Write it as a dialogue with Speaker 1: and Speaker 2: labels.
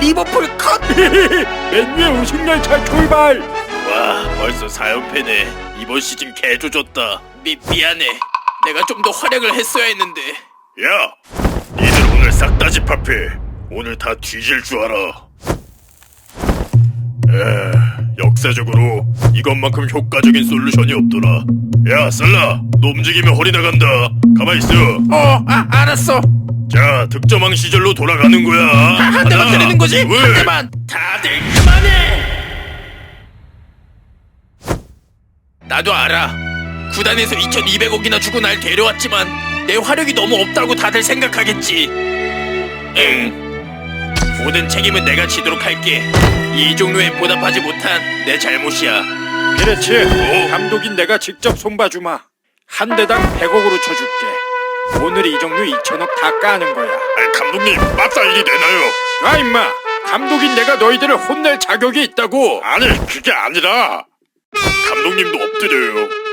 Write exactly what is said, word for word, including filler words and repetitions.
Speaker 1: 리버풀 컷!
Speaker 2: 맨유의 우승열차 출발!
Speaker 1: 와, 벌써 사 연패네. 이번 시즌 개 조졌다. 미, 미안해. 내가 좀 더 활약을 했어야 했는데.
Speaker 3: 야! 니들 오늘 싹 다 집합해. 오늘 다 뒤질 줄 알아. 에, 역사적으로 이것만큼 효과적인 솔루션이 없더라. 야, 살라! 너 움직이면 허리 나간다. 가만히 있어.
Speaker 1: 어, 아, 알았어.
Speaker 3: 자, 득점왕 시절로 돌아가는 거야.
Speaker 1: 아, 한 대만
Speaker 3: 하나,
Speaker 1: 때리는 거지?
Speaker 3: 둘.
Speaker 1: 한 대만. 다들 그만해. 나도 알아. 구단에서 이천이백억이나 주고 날 데려왔지만 내 화력이 너무 없다고 다들 생각하겠지. 응. 모든 책임은 내가 지도록 할게. 이 종류에 보답하지 못한 내 잘못이야.
Speaker 2: 그렇지. 감독인 내가 직접 손봐주마. 한 대당 백억으로 쳐줄게. 오늘 이정류 이천억 다 까는 거야.
Speaker 3: 아, 감독님, 맞다 일이 되나요?
Speaker 2: 아 임마, 감독인 내가 너희들을 혼낼 자격이 있다고.
Speaker 3: 아니, 그게 아니라 감독님도 엎드려요.